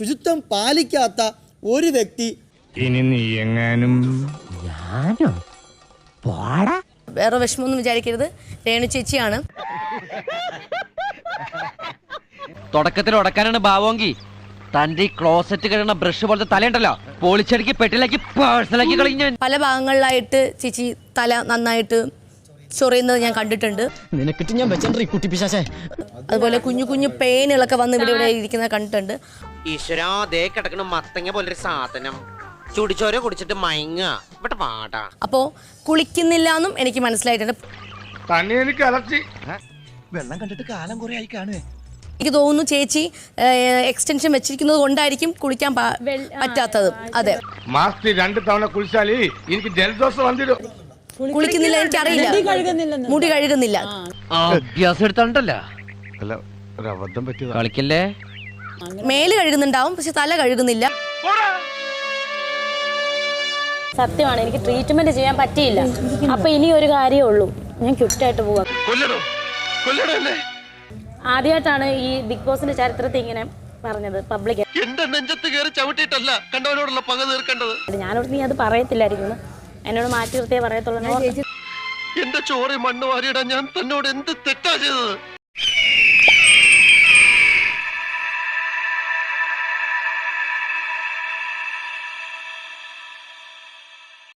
ശുചിത്വം പാലിക്കാത്ത ഒരു വ്യക്തി ഇനി നീ എങ്ങാനും വേറെ വിഷമമൊന്നും വിചാരിക്കരുത്, രേണു ചേച്ചിയാണ്. തുടക്കത്തിൽ ഉടക്കാനാണ് ഭാവമെങ്കിൽ തന്റെ ഈ ക്ലോസറ്റ് കഴിയുന്ന ബ്രഷ് പോലത്തെ തലയുണ്ടല്ലോ പോളിച്ചടിക്ക് പെട്ടിലാക്കി പേഴ്സണലാക്കി കളിഞ്ഞ പല ഭാഗങ്ങളിലായിട്ട് ചേച്ചി തല നന്നായിട്ട് ചൊറിയുന്നത് ഞാൻ കണ്ടിട്ടുണ്ട്. നിനക്കിട്ട് ഞാൻ വെച്ചോണ്ടീ കുട്ടി പിശാചേ. അതുപോലെ കുഞ്ഞു കുഞ്ഞു പെയിനുകളൊക്കെ വന്ന് ഇവിടെ ഇരിക്കുന്നത് കണ്ടിട്ടുണ്ട്. ഈശ്വരാ ദേ കിടക്കണ മത്തങ്ങ പോലൊരു സാധനം ചുടിച്ചോര കുടിച്ചിട്ട് മയങ്ങ ഇവിടെ പാടാ. അപ്പോ കുളിക്കുന്നില്ല എന്നും എനിക്ക് മനസ്സിലായിട്ടുണ്ട്. തന്നെ എനിക്ക് അലർച്ചി. വെള്ളം കണ്ടിട്ട് കാലം കുറെ ആയി കാണുവേ. എനിക്ക് തോന്നുന്നു ചേച്ചി എക്സ്റ്റൻഷൻ വെച്ചിരിക്കുന്നത് കൊണ്ടായിരിക്കും കുളിക്കാൻ പറ്റാത്തത്. അതെ, മാസത്തിൽ 2 തവണ കുളിച്ചാലേ എനിക്ക് ജലദോഷം വന്നിരും. കുളിക്കുന്നില്ല, എനിക്കറിയില്ല, മുടി കഴുകുന്നില്ല. അഭ്യാസം എടുത്തോണ്ടല്ലോ അല്ല, ഒരു അബദ്ധം പറ്റിയതാ. കളിക്കല്ലേ. മേല് കഴുകുന്നുണ്ടാവും, പക്ഷെ തല കഴുകുന്നില്ല. സത്യമാണ്, എനിക്ക് ട്രീറ്റ്മെന്റ് ചെയ്യാൻ പറ്റിയില്ല. അപ്പൊ ഇനി ഒരു കാര്യമേ ഉള്ളൂ, ഞാൻ ക്വിറ്റായിട്ട് പോവാം. ആദ്യമായിട്ടാണ് ഈ ബിഗ് ബോസിന്റെ ചരിത്രത്തിൽ ഇങ്ങനെ പറഞ്ഞത് പബ്ലിക്. എന്റെ നെഞ്ചത്ത് കയറി ചവിട്ടിയിട്ടല്ല കണ്ടവനോടുള്ള പക തീർക്കേണ്ടത്. ഞാനോട് നീ അത് പറയത്തില്ലായിരിക്കുന്നു, എന്നോട് മാറ്റി നിർത്തിയേ പറയത്തുള്ളൂ. എന്റെ ചോറി മണ്ണ് വാരിയിടാൻ ഞാൻ തന്നോട് എന്ത് തെറ്റാ ചെയ്തത്?